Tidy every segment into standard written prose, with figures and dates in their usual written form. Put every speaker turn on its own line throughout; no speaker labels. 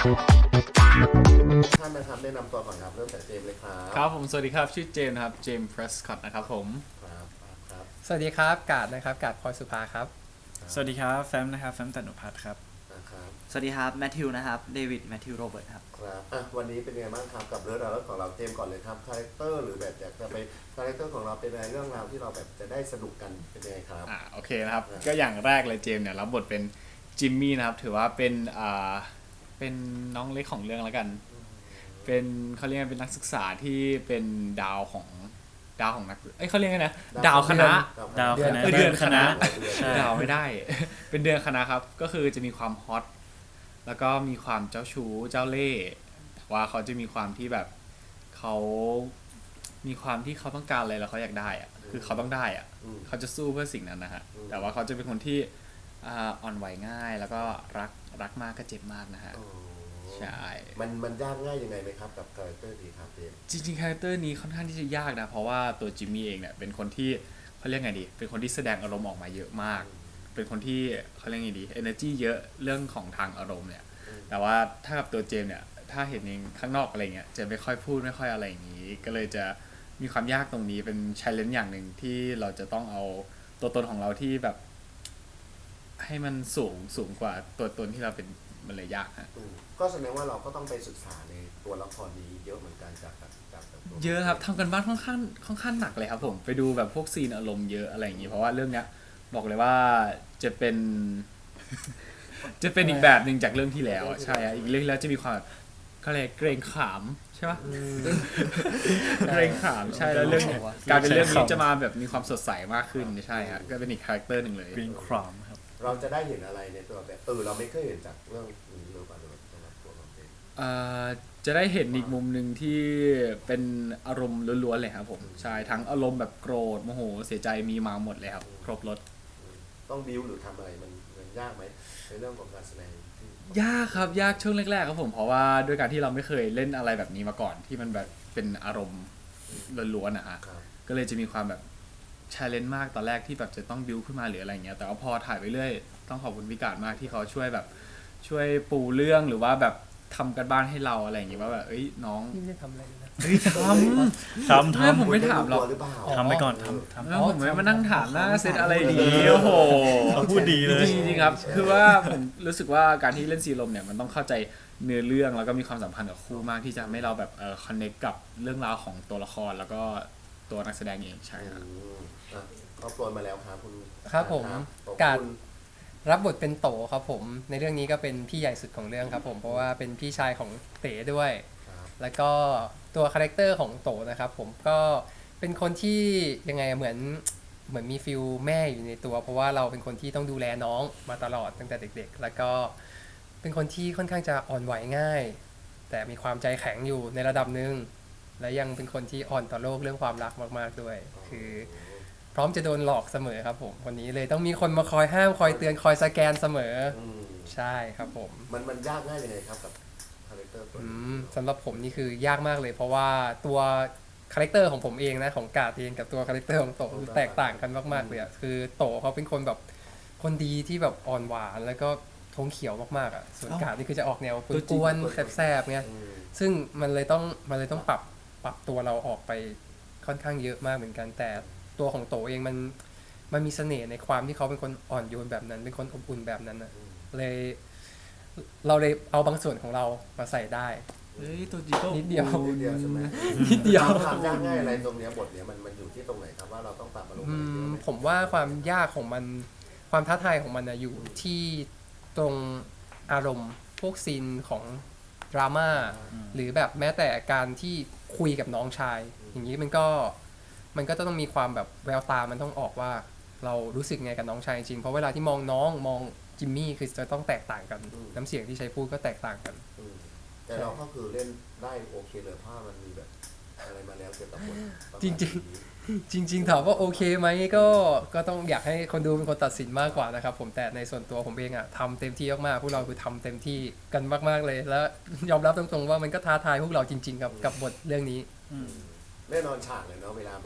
ท่านนะครับแนะนำตัวก่อนครับเริ่มจากเจมส์เลยครับ
ครับผมสวัสดีครับชื่อเจมส์นะครับเจมส์เพรสคอตนะครับผม
ครับครับ
สวัสดีครับกาดนะครับกาดพลอยสุภาครับ
สวัสดีครับแฟมนะครับแฟมตันุพัฒน์ครับ
ครับ
สวัสดีครับแมทธิวนะครับเดวิดแมทธิวโรเบิร์ตครับ
ครับวันนี้เป็นไงบ้างครับกับเรื่องราวของเราเจมส์ก่อนเลยครับคาแรคเตอร์หรือแบบอยากจะไปคาแรคเตอร์ของเราเป็นอะไรเรื่องราวที่เราแบบจะได้สนุกกันเป็นยังไงครับ
โอเคนะครับก็อย่างแรกเลยเจมส์เนี่ยรับบทเป็นจิมมี่นะครับถือว่าเป็นเป็นน้องเล็กของเรื่องแล้วกันเป็นเขาเรียกว่าเป็นนักศึกษาที่เป็นดาวของนักเขาเรียกไงนะดาวคณะ
ดาวคณะ
เดือนคณะ
ใช่
ดาวไม่ได้ เป็นเดือนคณะครับก็คือจะมีความฮอตแล้วก็มีความเจ้าชู้เจ้าเล่ห์แต่ว่าเขาจะมีความที่แบบเขามีความที่เขาต้องการอะไรแล้วเขาอยากได้อะคือเขาต้องได้อะเขาจะสู้เพื่อสิ่งนั้นนะฮะแต่ว่าเขาจะเป็นคนที่อ่อนไหวง่ายแล้วก็รักมากก็เจ็บมากนะฮะใช่
มันยากง่ายยังไงไหมครับกับคาแรคเตอร์ดีครับเจมส์
จริงๆคาแรคเตอร์นี้ค่อนข้างที่จะยากนะเพราะว่าตัวจิมมี่เองเนี่ยเป็นคนที่เขาเรียกไงดีเป็นคนที่แสดงอารมณ์ออกมาเยอะมากเป็นคนที่เขาเรียกไงดี energy เยอะเรื่องของทางอารมณ์เนี่ยแต่ว่าถ้ากับตัวเจมส์เนี่ยถ้าเห็นเองข้างนอกอะไรเงี้ยจะไม่ค่อยพูดไม่ค่อยอะไรอย่างนี้ก็เลยจะมีความยากตรงนี้เป็น challenge อย่างหนึ่งที่เราจะต้องเอาตัวตนของเราที่แบบให้มันสูงกว่าตัวตนที่เราเป็นมันเลยยากฮะ
ก็แสดงว่าเราก็ต้องไปศึกษาในตัวละครนี้เยอะเหมือนกันจากตัว
เยอะครับทำกันบ้านค่อนข้างหนักเลยครับผมไปดูแบบพวกซีนอารมณ์เยอะอะไรอย่างนี้เพราะว่าเรื่องเนี้ยบอกเลยว่าจะเป็น จะเป็นอีกแบบหนึ่งจากเรื่องที่แล้วใช่อีกเรื่องที่แล้วจะมีความเขาเรียกเกรงขามใช่ปะเกรงขามใช่แล้วเรื่องการเป็นเรื่องนี้จะมาแบบมีความสดใสมากขึ้นใช่ฮะก็เป็นอีกคาแรคเตอร์หนึ่งเลย
กรีนครามครับ
เราจะได้เห็นอะไรในตัวแบบเราไม่เคยเห็นจากเรื่องนี้หรือเปล่าสำหรับตัวเราเอง
จะได้เห็นอีกมุมหนึ่งที่เป็นอารมณ์ล้วนๆเลยครับผมใช่ทั้งอารมณ์แบบโกรธโมโหเสียใจมีมาหมดเลยครับครบรส
ต้องบิวหรือทำอะไรมันยากไหมในเรื่องของการแสดง
ยากครับยากช่วงแรกๆครับผมเพราะว่าด้วยการที่เราไม่เคยเล่นอะไรแบบนี้มาก่อนที่มันแบบเป็นอารมณ์ล้วนๆนะฮะก็เลยจะมีความแบบchallenge มากตอนแรกที่แบบจะต้องบิวขึ้นมาหรืออะไรเงี้ยแต่ว่าพอถ่ายไปเรื่อยต้องขอบคุณพิการมากที่เขาช่วยแบบช่วยปูเรื่องหรือว่าแบบทำกันบ้านให้เราอะไรอย่างเงี้ยว่าแบบน้อง
นี่ไม่ได้ทำอะไรเลยนะ
ทำผมไม่ถามหรอก
ทำไปก่อนทำ
ผมไม่มานั่งถามหน้าเซตอะไรดีโอ้โห
พูดดีเลย
จริงๆครับคือว่าผมรู้สึกว่าการที่เล่นซีลมเนี่ยมันต้องเข้าใจเนื้อเรื่องแล้วก็มีความสัมพันธ์กับคู่มากที่จะให้เราแบบคอนเนคกับเรื่องราวของตัวละครแล้วก็ตัวนักแสดงเองใช่ครับ
ก็โปรยมาแล้วครับคุณ
ครับผมกาดรับบทเป็นโตครับผมในเรื่องนี้ก็เป็นพี่ใหญ่สุดของเรื่องครับผมเพราะว่าเป็นพี่ชายของเต๋ด้วยแล้วก็ตัวคาแรคเตอร์ของโตนะครับผมก็เป็นคนที่ยังไงเหมือนมีฟิลแม่อยู่ในตัวเพราะว่าเราเป็นคนที่ต้องดูแลน้องมาตลอดตั้งแต่เด็กๆแล้วก็เป็นคนที่ค่อนข้างจะอ่อนไหวง่ายแต่มีความใจแข็งอยู่ในระดับหนึ่งและยังเป็นคนที่อ่อนต่อโลกเรื่องความรักมากๆด้วยคือพร้อมจะโดนหลอกเสมอครับผมคนนี้เลยต้องมีคนมาคอยห้ามคอยเตือนคอยสแกนเสมอใช่ครับผม
มันยากง่ายยังไงครับกับคาแรคเตอร์ตัวนี้
สำหรับผมนี่คือยากมากเลยเพราะว่าตัวคาแรคเตอร์ของผมเองนะของกาดเองกับตัวคาแรคเตอร์ของโตคือแตกต่างกันมากๆเลยอ่ะคือโตเขาเป็นคนแบบคนดีที่แบบอ่อนหวานแล้วก็ทงเขียวมากๆอ่ะส่วนกาดนี่คือจะออกแนวกวนๆแสบๆเนี่ยซึ่งมันเลยต้องปรับตัวเราออกไปค่อนข้างเยอะมากเหมือนกันแต่ตัวของโตเองมันมีเสน่ห์ในความที่เขาเป็นคนอ่อนโยนแบบนั้นเป็นคนอบอุ่นแบบนั้นนะเราเลยเอาบางส่วนของเรามาใส่ได้
ตัวจีโต้
นิดเดียว
ใช่ไหม
นิดเดียว
ความยากง่ายอะไรตรงนี้บทเนี้ยมันอยู่ที่ตรงไหนครับว่าเราต้องปรับอารมณ์
ผมว่าความยากของมันความท้าทายของมันอยู่ที่ตรงอารมณ์พวกซีนของดราม่าหรือแบบแม้แต่การที่คุยกับน้องชายอย่างนี้มันก็ต้องมีความแบบแววตามันต้องออกว่าเรารู้สึกไงกับน้องชายจริงเพราะเวลาที่มองน้องมองจิมมี่คือจะต้องแตกต่างกันน้ำเสียงที่ใช้พูดก็แตกต่างกัน
แต่เราก็คือเล่นได้โอเคเลยเพราะมันมีแบบอะไรมาแล้วเกี่ยวกับบท
จริงถามว่าโอเคไหมก็ต้องอยากให้คนดูเป็นคนตัดสินมากกว่านะครับผมแต่ในส่วนตัวผมเองทำเต็มที่มากๆพวกเราคือทำเต็มที่กันมากๆเลยแล้วยอมรับตรงๆว่ามันก็ท้าทายพวกเราจริงๆกับบทเรื่องนี้
แน่นอนฉากเลยเนาะเวลาแบบ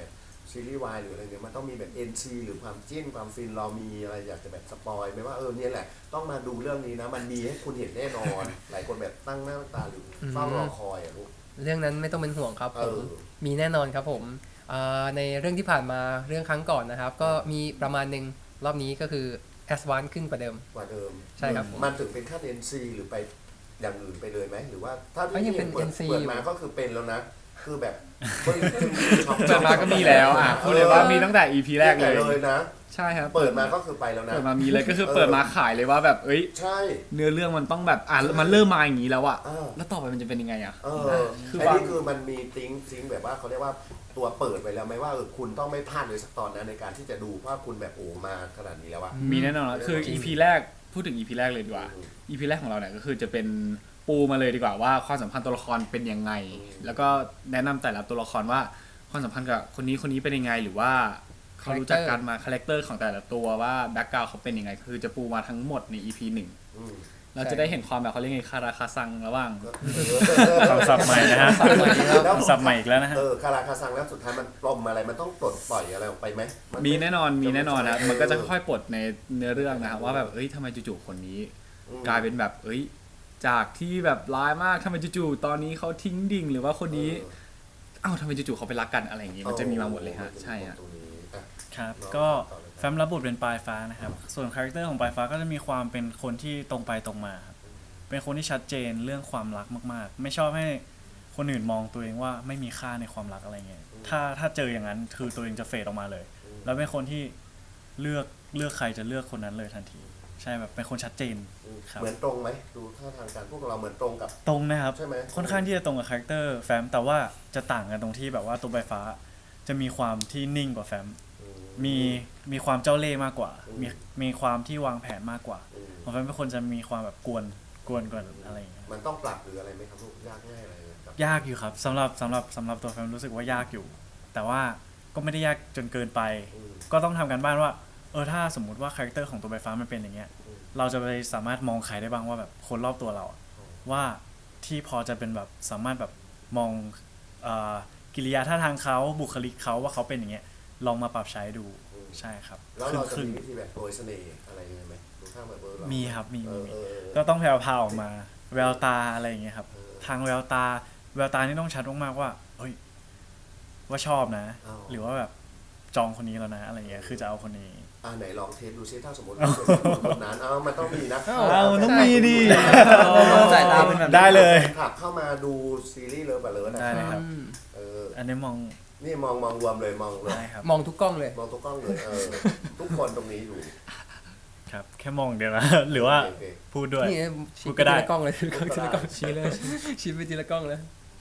ซีรีส์วายหรืออะไรเงี้ยมันต้องมีแบบ NC หรือความจิ้นความฟินเรามีอะไรอยากจะแบบสปอยไหมว่าเนี่ยแหละต้องมาดูเรื่องนี้นะมันมีให้คุณเห็นแน่นอน หลายคนแบบตั้งหน้าตั้งตาหรือเฝ้ารอคอยลูก
เรื่องนั้นไม่ต้องเป็นห่วงครับผม
เออ
มีแน่นอนครับผมในเรื่องที่ผ่านมาเรื่องครั้งก่อนนะครับ ก็มีประมาณหนึ่งรอบนี้ก็คือแอดวานซ์ขึ้นกว่าเดิม
กว่าเดิม
ใช่ครับ
มันถึงเป็นขั้น NC หรือไปอย่างอื่นไปเลยไหมหรือว่าถ้า
ก็ยังเป็น
เปิด
NC
เปิดมาก็คือเป็นแล้วนะ คือแบบ
เปิดมาก็มีแล้วพูดเลยว่ามีตั้งแต่ EP แรกเลย
เลยนะ
ใช่ครับ
เปิดมาก็คือไปแล้วนะ
เปิดมามีเลยก็คือเปิดมาขายเลยว่าแบบเอ้ย
ใช่
เนื้อเรื่องมันต้องแบบมันเริ่มมาอย่างนี้แล้วอะ
เออ
แล้วต่อไปมันจะเป็นยังไงอะ
คือ
ว่า
นี่คือมันมีซิงแบบว่าเขาเรียกว่าตัวเปิดไปแล้วไหมว่าคุณต้องไม่พลาดเลยสักตอนนะในการที่จะดูเพราะคุณแบบมาขนาดนี้แล้วอะ
มีแน่นอนแล้วคือ
จริง
EP แรกพูดถึง EP แรกเลยดีกว่า EP แรกของเราเนี่ยก็คือจะเป็นปูมาเลยดีกว่าว่าความสัมพันธ์ตัวละครเป็นยังไง แล้วก็แนะนำแต่ละตัวละครว่าความสัมพันธ์กับคนนี้เป็นยังไงหรือว่าเขารู้จักกันมาคาแรคเตอร์ของแต่ละตัวว่าแบ็คกราวด์เขาเป็นยังไงคือจะปูมาทั้งหมดใน EP 1
อืม
เราจะได้เห็นความแบบเขาเรียกไงคาราคาซังระหว่าง
คำศัพท์ใหม่นะฮะ
ศัพท์ใหม่ครับ
แล้ว
คำศัพท์ใหม่อีกแล้วนะฮะ
คาราคาซังแล้วสุดท้ายมันปลอมอะไรมันต้องปลดปล่อยอะไรออกไปไหมน
มีแน่นอนนะครับ
เออ
มันก็จะค่อยๆปลดในเนื้อเรื่องนะครับว่าแบบเอ้ยทำไมจู่ๆคนนี้ กลายเป็นแบบเอ้ยจากที่แบบร้ายมากทำไมจู่ๆตอนนี้เขาทิ้งดิ่งหรือว่าคนนี้เอ้าทำไมจู่ๆเขาไปรักกันอะไรอย่างงี้มันจะมีมาหมดเลยฮะใช่ฮะ
ตรงนี้อ่ะ
ครับ
น้อง
ก็
ต่อเลยครับ
แฟมรับบทเป็นปลายฟ้านะครับ ส่วนคาแรคเตอร์ของปลายฟ้าก็จะมีความเป็นคนที่ตรงไปตรงมาครับ เป็นคนที่ชัดเจนเรื่องความรักมากๆ ไม่ชอบให้คนอื่นมองตัวเองว่าไม่มีค่าในความรักอะไรเงี้ย ถ้าเจออย่างนั้นคือตัวเองจะเฟดออกมาเลย แล้วเป็นคนที่เลือกใครจะเลือกคนนั้นเลยทันที ใช่แบบเป็นคนชัดเจน ครับ
เหมือนตรงไหมดูท่าทางการพวกเราเหมือนตรงกับ
ตรงนะครับ
ใช่ไหม
ค่อนข้างที่จะตรงกับคาแรคเตอร์แฟมแต่ว่าจะต่างกันตรงที่แบบว่าตัวปลายฟ้าจะมีความที่นิ่งกว่าแฟม มีความเจ้าเล่ห์มากกว่า มีความที่วางแผนมากกว่า ของแฟมเป็นคนจะมีความแบบกวนกว่าอะไรอย่างเงี้ย
มันต้องปรับหรืออะไรไหมครับลูกยากง่ายอะไรครับ
ยากอยู่ครับสำหรับตัวแฟมรู้สึกว่ายากอยู่ แต่ว่าก็ไม่ได้ยากจนเกินไป ก็ต้องทำกันบ้านว่าถ้าสมมุติว่าคาแรคเตอร์ของตัวใบฟ้ามันเป็นอย่างเงี้ยเราจะไปสามารถมองใครได้บ้างว่าแบบคนรอบตัวเราอะว่าที่พอจะเป็นแบบสามารถแบบมองกิริยาท่าทางเขาบุคลิกเขาว่าเขาเป็นอย่างเงี้ยลองมาปรับใช้ดูใช่ครับ
แล้วเราจะ
ครึ่ง
มีวิธีแบบโปรยเสน่ห์อะไรยังไงไหมดูท่าแบบเรา
มีครับมี
เออ
ก็ต้องแผ่วๆออกมาแววตาอะไรอย่างเงี้ยครับ
เออ
ทางแววตานี่ต้องชัดมากๆว่าเฮ้ยว่าชอบนะ
อ๋อ
หรือว่าแบบจองคนนี้แล้วนะอะไรเงี้ยคือจะเอาคนนี้
ไหนลองเทสดูซิถ้าสมมติว่าคนนั้นมันต้องมีนะ
มันต้องมีดิ
สายตาเป็นแบบ
ได้เลย
ขับเข้ามาดูซีรีส์เลิฟแบบเลิฟนะ
ได้เลยครับ อันนี้มอง
นี่มองรวมเลยมองเลย
ได้ครับ
มองทุกกล้องเลย
มองทุกกล้องเลยทุกคนตรงนี้อยู่
ครับ แค่มองเดียวนะ หรือว่า
โอเค
พูดด้วย
นี่
พู
ชี้
ด
ไป
ก็ได้
ทีละกล้องเลยทีละกล้อง
พูดก็ได้
ชี้เลยชี้ไปทีละกล้องเลย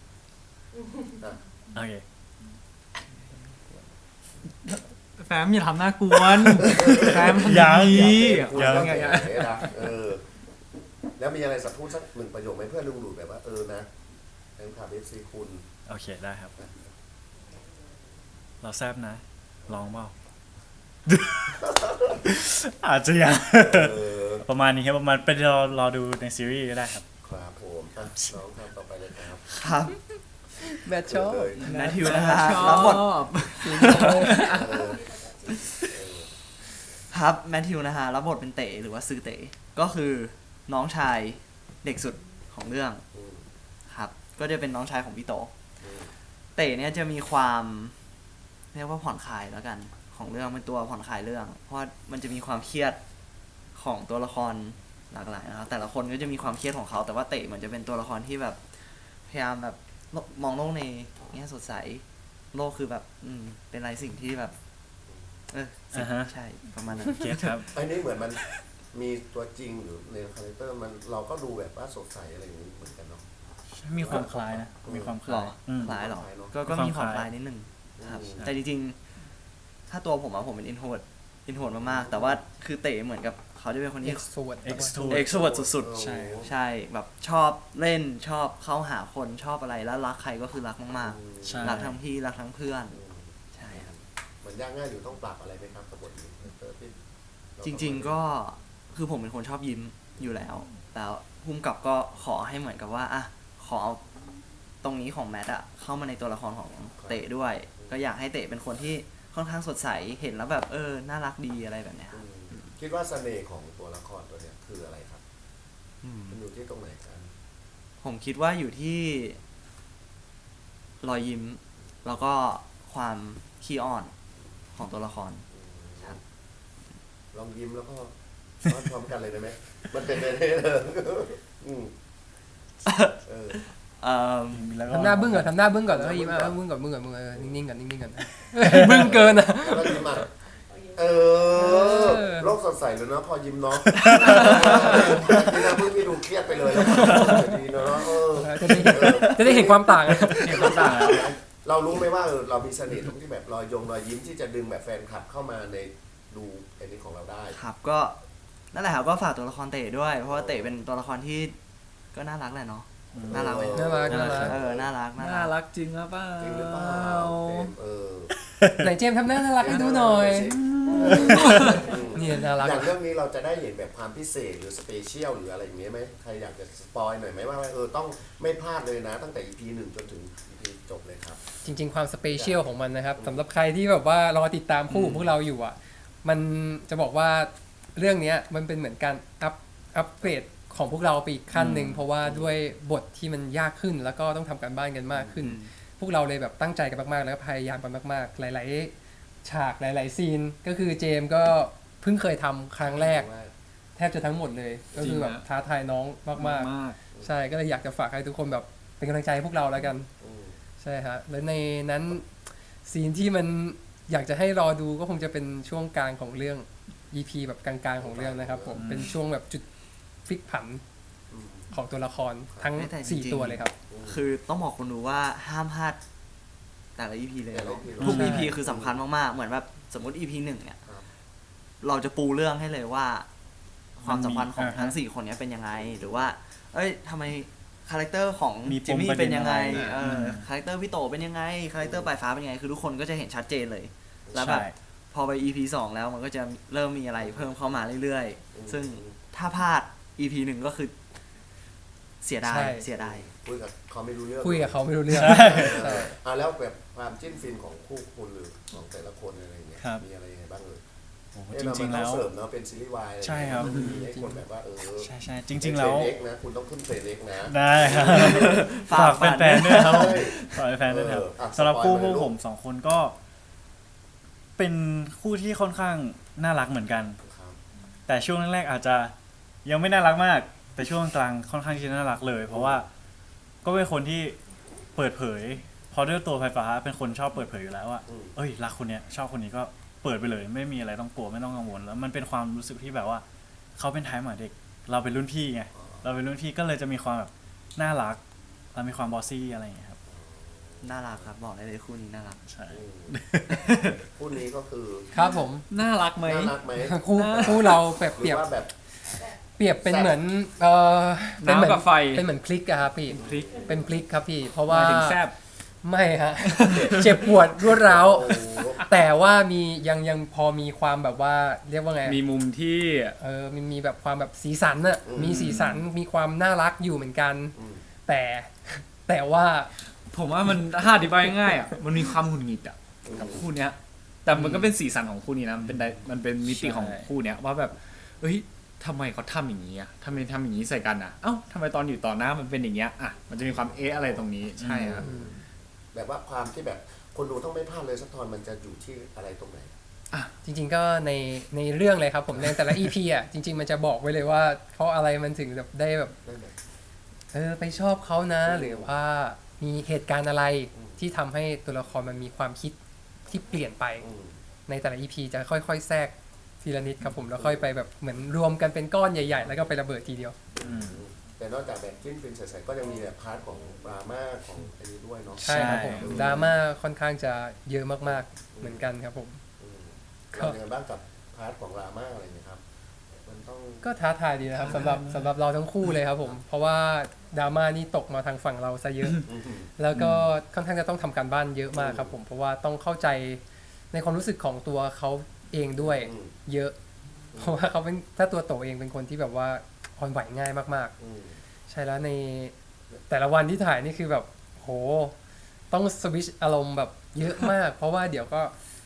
โอเค
แฟมอย่าทำหน้ากวนแฟมทำ
ยัง
ดี
ยัง
ยังไงอะ
แล้วมีอะไรสักพูดสักหนึ่งประโยคไหมเพื่อดึงดูดแบบว่านะแฟนคลับ FC คุณ
โอเคได้ครับ เราแซบนะ ลองเปล่า อาจจะยัง ประมาณนี้ครับประมาณไปรอดูในซีรีส์ก็ได้ครับ
ครับผมน้องครับต่อไปเลยครับ
ครับ
แบทชอบ
แมทธิวนะฮะรับบท ครับแมทธิวนะฮะรับบทเป็นเต๋หรือว่าซือเต๋ก็คือน้องชายเด็กสุดของเรื่องครับก็จะเป็นน้องชายของพี่โตเต๋เนี่ยจะมีความเรียกว่าผ่อนคลายแล้วกันของเรื่องเป็นตัวผ่อนคลายเรื่อง เพราะมันจะมีความเครียดของตัวละครหลากหลายนะครับแต่ละคนก็จะมีความเครียดของเขาแต่ว่าเต๋มันจะเป็นตัวละครที่แบบพยายามแบบมองโลกในแง่สดใสโลกคือแบบเป็นอะไรสิ่งที่แบบใช่ประมาณนั้น
เก็ตครับ
ไอ้นี่เหมือนมันมีตัวจริงหรือในคาแรคเตอร์มันเราก็ดูแบบว่าสดใสอะไรอย่างนี้เหมือนกันเนาะ
มีความคล้ายนะ มีความค
หร
ล้า
อย คล้ายหรอ
คล้ายเนอะ
ก็มีความ
มีความ
ค
ค
ล้า
ล้าย ย
นิดนึงครับ
อืม
แต่จริงๆ ถ้าตัวผมเป็นอินโทรดมากๆ แต่ว่าคือเต๋เหมือนกับเขาจะเป็นคนที่
extrovert
Extrovert
เอ็กโทรเวิร์ดสุด
ใช่
ๆ ใช่แบบชอบเล่นชอบเข้าหาคนชอบอะไรแล้วรักใครก็คือรักมาก
ใช่
ๆ รักทั้งพี่รักทั้งเพื่อนใช่ครับ
มันยากง่ายอยู่ต้องปรับอะไรไหมครับกับบทนี้คาแรคเตอร์ที่เรา
จริงๆก็คือผมเป็นคนชอบยิ้มอยู่แล้วแล้วภูมิกับก็ขอให้เหมือนกับว่าขอเอาตรงนี้ของแมทเข้ามาในตัวละครของเต๋ด้วย ก็อยากให้เต๋เป็นคนที่ค่อนข้างสดใสเห็นแล้วแบบน่ารักดีอะไรแบบเนี้ยครับ
คิดว่าเสน่ห์ของตัวละครตัวเนี้ยคืออะไรครับมันอยู่ที่ตรงไหนกัน
ผมคิดว่าอยู่ที่รอยยิ้ม แล้วก็ความขี้อ้อนของตัวละคร ครับ
ลองยิ้มแล้วก็พร้อมกันเลยได้ไหมมันเป็นไปได้เลยอืมเออ
แล้วก็
ทำหน้าบึ้งก่อนทำหน้าบึ้งก่อนแล้วก็ยิ้มบึ้งก่อนบึ้งก่อนบึ้งก่อนนิ่งๆก่อนนิ่งๆก่อนบึ้งเกินอ่ะ
แล้วก็ยิ้มอ่ะโลกสดใสเลยเนาะพอยิ้มเนาะพี่นะเพิ่งพี่ดูเครียดไปเลยดีเนาะ
จะได้เห็นความต่าง
เห็นความต่างแล้ว
เรารู้ไหมว่าเรามีเสน่ห์ตรงที่แบบรอยยิ้มที่จะดึงแบบแฟนคลับเข้ามาในดูไอ้นี้ของเราได้
ครับก็นั่นแหละครับก็ฝากตัวละครเต๋ด้วย เพราะว่าเต๋เป็นตัวละครที่ก็น่ารักแหละเนาะน่ารักไหม
น่ารัก
น่ารัก
น่ารักจริงหรือเปล่า
จริงหรือเปล่า
ไหนเจมส์ทำหน้าน่ารักให้ดูหน่อยนี่น่ารัก
อย่างเรื่องนี้เราจะได้เห็นแบบความพิเศษหรือสเปเชียลหรืออะไรอย่างเงี้ยไหมใครอยากจะสปอยหน่อยไหมว่าต้องไม่พลาดเลยนะ ตั้งแต่ EP 1จนถึง EP จบเลยครับ
จริงๆความสเปเชียลของมันนะครับสำหรับใครที่แบบว่ารอติดตามคู่ของพวกเราอยู่อ่ะมันจะบอกว่าเรื่องนี้มันเป็นเหมือนการอัปเกรดของพวกเราไปอีกขั้นหนึ่งเพราะว่าด้วยบทที่มันยากขึ้นแล้วก็ต้องทำการบ้านกันมากขึ้น พวกเราเลยแบบตั้งใจกันมากๆแล้วก็พยายามกันมากๆหลายๆฉากหลายๆซีนก็คือเจมส์ก็เพิ่งเคยทำครั้งแรกแทบจะทั้งหมดเลยก็คือแบบท้าทายน้องมากๆใช่ก็เลยอยากจะฝากให้ทุกคนแบบเป็นกำลังใจให้พวกเราแล้วกันใช่ฮะแล้วในนั้นซีนที่มันอยากจะให้รอดูก็คงจะเป็นช่วงกลางของเรื่อง EP แบบกลางๆของเรื่องนะครับผมเป็นช่วงแบบจุดพลิกผันของตัวละครทั้ง4ตัวเลยครับ
คือต้องบอกคนดูว่าห้ามพลาดแต่ละ EP เลย
แต่ละ
เนาะ
EP
ทุก
ใช่
EP คือสำคัญมากๆเหมือนแบบสมมติ EP 1เนี่ยเราจะปูเรื่องให้เลยว่า ความสัมพันธ์ของทั้ง4คนเนี้ยเป็นยังไงหรือว่าทำไมคาแรคเตอร์ของ
มีป
จิม
ม
มี่
ประเด็
เป็น นยังไง
อะไร
คาแรคเตอร์พี่โตเป็นยังไงคาแรคเตอร์ปลายฟ้าเป็นยังไงคือทุกคนก็จะเห็นชัดเจนเลย แล้วแบบ
ใช่
พอไป EP 2แล้วมันก็จะเริ่มมีอะไรเพิ่มเข้ามาเรื่อยๆซึ่งถ้าพลาด EP 1ก็คือเสียดาย
ใช่
เสียดาย
คุยกับเขาไม่รู้เรื่อง
คุยกับเขาไม่รู้เรื่อง
แล้วแบบความจิ้นฟินของคู่คุณหรือของแต่ละคนอะไรอย่างเงี้ย
ครับ
มีอะไรยังไงบ้างเลย
โอ้โห
เอ้ย
จริงๆ
เรา
แล้ว
เสริมเนาะเป็นซีรีส์วายอะไรอย่าง
ใช่
เงี้ย
ครับ
มันมีให้คนแบบว่า
ใช่จริง ๆ แล้ว
เทรนเล็กนะคุณต้องขึ้นเทรนเล็กนะ
ได้ครับ
ฝาก
ฝากแฟนๆด้วยครับ
ใช่
ฝากแฟนๆด้วยครับ
อ่ะ
สำหรับคู่
สปอยล์
พวก
มาเลยลูก
ผมสองคนก็ เป็นคู่ที่ค่อนข้างน่ารักเหมือนกัน
ครับ
แต่ช่วงแรกๆอาจจะยังไม่น่ารักมาก แต่ช่วงกลางค่อนข้างที่จะน่ารักเลย เพราะว่าก็เป็นคนที่เปิดเผยพอด้วยตัวไฟฟ้าเป็นคนชอบเปิดเผยอยู่แล้วว่า เอ้ยรักคนเนี้ยชอบคนนี้ก็เปิดไปเลย ไม่มีอะไรต้องกลัวไม่ต้องกังวลแล้วมันเป็นความรู้สึกที่แบบว่าเขาเป็นท้ายหมาเด็ก เราเป็นรุ่นพี่ไงเราเป็นรุ่นพี่ก็เลยจะมีความแบบน่ารักเรามีความบอสซี่อะไรอย่างเงี้ยครับ
น่ารักครับบอกได้เลยคู่นี้น่ารัก
ใช่
คู่นี้ก็คือ
ครับผม
น่ารักไหม
น่ารักไหม
คู่เราแบบ
ห
เป
รื
รีย
อบ ว่าแบบ
เป็นเหมือนเป็นเหมื
น้ำกับไฟ
เป็นเหมือนพลิกอะครับพี่
พลิก
เป็นพลิกครับพี่ เพราะ
ห
ว่า
มายถึงแซบ
ไม่ฮะ เจ็บปวดรวดร้าว
โอ้โห
แต่ว่ามียังพอมีความแบบว่าเรียกว่าไง
มีมุมที่
มีแบบความแบบสีสันอะมีสีสันมีความน่ารักอยู่เหมือนกัน แต่ว่า
ผมว่ามันถ้าอธิบายง่ายๆอ่ะมันมีความหงุดหงิดอ่ะกับคู่เนี้ย แต่มันก็เป็นสีสันของคู่นี้นะมันเป็นมิติของคู่เนี้ยว่าแบบเอ้ยทำไมเขาทำอย่างนี้อ่ะทำไมทำอย่างนี้ใส่กันอ่ะเอ้าทำไมตอนอยู่ต่อหน้ามันเป็นอย่างเงี้ยอ่ะมันจะมีความอะไรตรงนี้ใช่ครับ
แบบว่าความที่แบบคนดูต้องไม่พลาดเลยสักตอนมันจะอยู่ที่อะไรตรงไหน
จริงๆก็ในเรื่องเลยครับผมในแต่ละ EP อ่ะจริง ๆ มันจะบอกไว้เลยว่า เพราะอะไรมันถึงแบบได้แบบ
ได้ไหม
ไปชอบเขานะ หรือว่ามีเหตุการณ์อะไรที่ทำให้ตัวละครมันมีความคิดที่เปลี่ยนไป ในแต่ละ EP จะค่อยๆแทรกทีละนิดครับผมแล้วค่อยไปแบบเหมือนรวมกันเป็นก้อนใหญ่ๆ แล้วก็ไประเบิดทีเดียว
แต่นอกจากแบบจิ้นฟินใสๆก็ยังมีแบบพาร์ทของดราม่าของอันนี้ด้วยเนาะ
ใช่ครับผมดราม่าค่อนข้างจะเยอะมากๆเหมือนกันครับผม
เราเป็นไงบ้างกับพาร์ทของดราม่าอะไรเงี้ยครับมันต้อง
ก็ท้าทายดีนะครับสำหรับเราทั้งคู่เลยครับผมเพราะว่าดราม่านี่ตกมาทางฝั่งเราซะเยอะ แล้วก็ค่อนข้างจะต้องทำการบ้านเยอะมากครับผมเพราะว่าต้องเข้าใจในความรู้สึกของตัวเขาเองด้วยเยอะ เพราะว่าเขาเป็นถ้าตัวโตเองเป็นคนที่แบบว่าอ่อนไหวง่ายมากๆใช่แล้วในแต่ละวันที่ถ่ายนี่คือแบบโหต้องสวิตช์อารมณ์แบบเยอะมาก เพราะว่าเดี๋ยวก็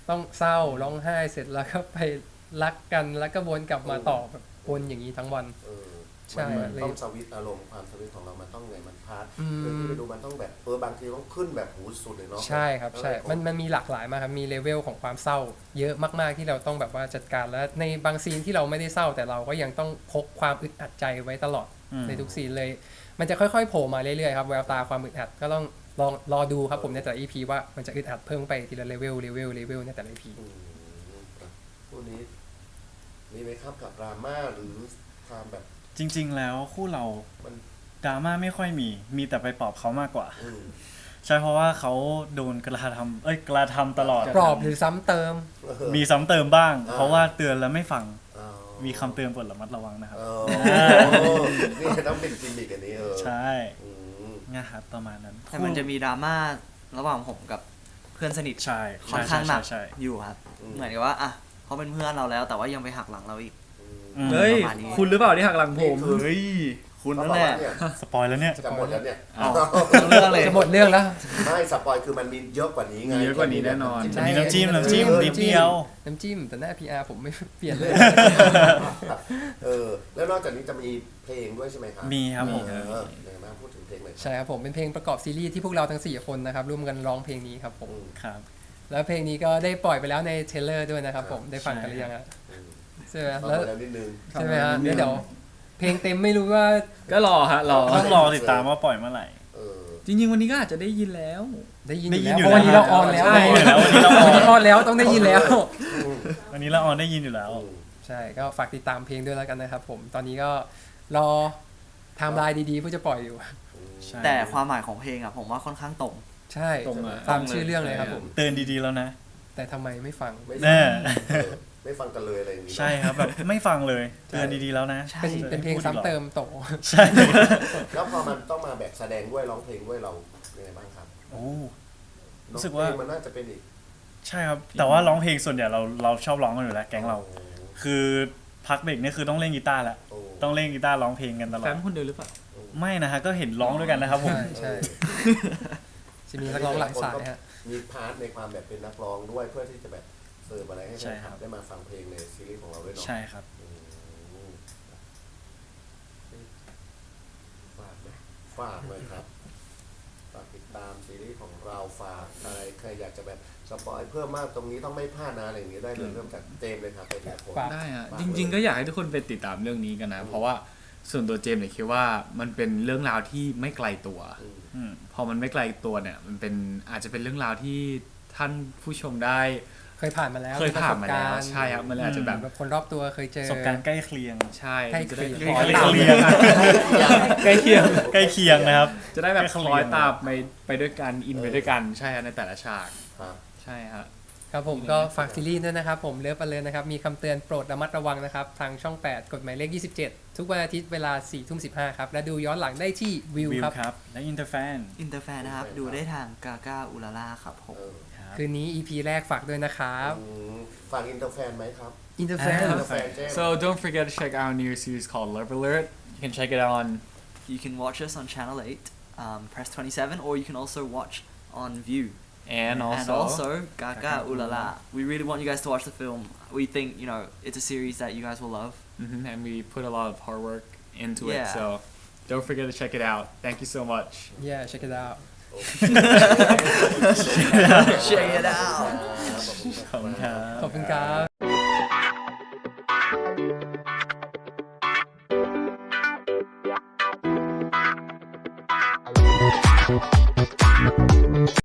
ต้องเศร้าร้องไห้เสร็จแล้วก็ไปรักกันแล้วก็วนกลับมาต่อแบบวนอย่างนี้ทั้งวัน
เออ
ใช่
มันต้องสวิตช์อารมณ์ความสวิตช์ของเรามันต้องไงมันพาร์ท
อืม
เรื่องที่ไปดูมันต้องแบบบางทีต้องขึ้นแบบหูสุดเลยเนาะ
ใช่ครับใช่
แล้วก็
มันมีหลากหลายมากครับมีเลเวลของความเศร้า เยอะมากๆที่เราต้องแบบว่าจัดการแล้วในบางซีนที่เราไม่ได้เศร้า แต่เราก็ยังต้องพกความอึดอัดใจไว้ตลอด ในทุกซีนเลย มันจะค่อยๆโผล่มาเรื่อยๆครับแววตาความอึดอัดก็ต้องลองรอดูครับผมในแต่ละ EP ว่ามันจะอึดอัดเพิ่มไปทีละเลเวลในแต่ละ EP
อืมคู่นี้มีไหมครับกับดราม่าหรือความแบบ
จริง ๆ แล้วคู่เรา
มัน
ดราม่าไม่ค่อยมีแต่ไปปลอบเขามากกว่า
อืม
ใช่เพราะว่าเขาโดนกระทำตลอด
ปลอบหรือซ้ำเติม
มีซ้ำเติมบ้าง
อ่า
เพราะว่าเตือนแล้วไม่ฟัง
อ๋อ
มีคำเตือนโปรดระมัดระวังนะครับ
อ๋อนี่ต้องเป็นกิมมิกอันนี้
ใช่
อืม
นะครับประมาณนั้น
แต่มันจะมีดราม่าระหว่างผมกับเพื่อนสนิท
ใช่
ค่อนข้างหนัก
ใช่
อยู่ครับ เหมือนกับว่าอ่ะเขาเป็นเพื่อนเราแล้ว แต่ว่ายังไปหักหลังเราอีก
อืม
เฮ้ย
ประมาณนี้
คุณหรือเปล่าที่หักหลังผม
เฮ้ย คุณนั่นแหละ
เนี่ย
สปอยแล้วเนี่ย
จะหมดแล้วเนี่ย
เอา
เรื่องเลย
จะหมดเรื่องแล้ว
ไม่สปอยคือมันมีเยอะกว่านี้ไง
มีเยอะกว่านี้แน่นอน
ใช่
มีน้ำจิ้มนิดเดียว
น้ำจิ้มแต่หน้า PR ผมไม่เปลี่ยนเลย
แล้วนอกจากนี้จะมีเพลงด้วยใช่ไหมครับ
มีครับผม
เออเดี๋ยวมาพูดถึงเพลงหน่อยครับ
ใช่ครับผมเป็นเพลงประกอบซีรีส์ที่พวกเราทั้ง 4 คนนะครับร่วมกันร้องเพลงนี้ครับผม
อืม
ครับ
แล้วเพลงนี้ก็ได้ปล่อยไปแล้วในเทรลเลอร์ด้วยนะครับผมได้ฟังกันหรือยังฮะ
อืม
ใช่ไหม
ฟัง
แล้ว
ไปแล้วนิดนึง
ใช่ไหมฮะเดี๋ยวเพลงเต็มไม่รู้ว่า
ก็รอฮะรอ
ต้องรอติดตามว่าปล่อยเมื่อไหร่
เออ
จริงๆวันนี้ก็อาจจะได้ยินแล้ว
ได้ยิน
ได้
อ
ยิน
ยู่แล้ว
อยู่
เพราะวันนี้
แล้ว
เราออนแล้ว
ใช่
วันนี้เราออน
วันนี้ออนแล้วต้องได้ยินแล้ว
วันนี้เราออนได้ยินอยู่แล้ว
ใช่ก็ฝากติดตามเพลงด้วยแล้วกันนะครับผมตอนนี้ก็รอไทม์ไลน์ดีๆเพื่อจะปล่อยอยู่
ใช่
แต่ความหมายของเพลงอ่ะผมว่าค่อนข้างตรง
ใช่
ตรงอะ
ตามชื่อเรื่องเลยครับผม
เตือนดีๆแล้วนะ
แต่ทำไมไม่ฟัง
ไม่
แน่
ไม่ฟังกันเลยอะไรอย่างนี้
ใช่ครับแบบไม่ฟังเลยเตือนดีๆแล้วนะ
ใช่
เป็นเพลงซ้ำเติมโต
ใช่
แล้วพอมันต้องมาแบบแสดงด้วยร้องเพลงด้วยเรายังไงบ้างครับ
โอ้
เนอะ
รู้สึกว่า
เพลงมันน่าจะเป็นอีก
ใช่ครับ แต่ว่าร้องเพลงส่วนใหญ่เราชอบร้องกันอยู่แล้วแก๊งเรา คือพักเบรกนี่คือต้องเล่นกีตาร์แล้ว
โอ้
ต้องเล่นกีตาร์ร้องเพลงกันตลอ
แฟ
ด
นคนเดียวหรือเปล่า
ไม่นะฮะก็เห็นร้องด้วยกันนะครับผม
ใช่ใช่จะมีนักร้องหลายสายฮะ
มีพาร์ทในความแบบเป็นนักร้องด้วยเพื่อที่จะแบบเสิร์ฟอะไรให้แฟ
ใช่
นค
ครั
ลับบ ได้มาฟังเพลงในซีรีส์ของเราด้วยเนาะ
ใช่ครับ
อืมฝากไหมฝากเลยครับฝากติดตามซีรีส์ของเราฝากอะไรใครอยากจะแบบสปอยเพิ่มมากตรงนี้ต้องไม่พลาดนะอะไรอย่างนี้ได้เลยเริ่มจากเจมส์เลยครับไปแต่คน
ฝาก
ได้ฮะ
ฝาก
จริง ๆ
เลย
ก็อยากให้ทุกคนไปติดตามเรื่องนี้กันนะ เพราะว่าส่วนตัวเจมส์เนี่ยคิดว่ามันเป็นเรื่องราวที่ไม่ไกลตัว
อืม
อืม
พอมันไม่ไกลตัวเนี่ยมันเป็นอาจจะเป็นเรื่องราวที่ท่านผู้ชมได้
เคยผ่านมาแล้ว
เคยผ่านมาแล้ว
ประสบกรณ์
ใช่ครับมันเลยอาจจะแบบ
แบบคนรอบตัวเคยเจ
ป
อ
ระสบการณ์ใกล้เคียง
ใช่
ใกล้
จะได้
เคียง
คล้อย
ใกล้
ตาม
เคียง
ใกล้เคียง
ใกล้เคียงนะครับ
จะได้แบบ
ใกล้
ค
เคียง
ล้อยตามไปด้วยกันอินไปด้วยกันใช่ฮะในแต่ละฉาก
ครับ
ใช่ฮะ
ครับผมก็ฝากซีรีส์ด้วยนะครับผมเลิฟเลยนะครับมีคำเตือนโปรดระมัดระวังนะครับทางช่อง 8 กฎหมายเลข 27 ทุกวันอาทิตย์เวลา 4:15 ครับและดูย้อนหลังได้ที่วิว
วิว
ครับ
ครับ และอินเตอร์แฟน
อินเตอร์แฟนนะครับ ดูได้ทางกาก้าอุลาล่าครับผม
เออ
ครับ
คืนนี้ EP แรกฝากด้วยนะครับ
ฝากอินเตอร์แฟนไหมครับ
อินเตอร์แฟน
อินเตอร์แฟนเจมส์
So don't forget to check out our new series called Love Alert. You can check it out on
You can watch us on Channel 8, Press 27, or you can also watch on View.
and also,
Gaga Ulala. We really want you guys to watch the film. We think, you know, it's a series that you guys will love.
and we put a lot of hard work into it.
Yeah.
So don't forget to check it out. Thank you so much.
yeah check it out
Check it out.
ขอบคุณครับ
ขอบคุณครับ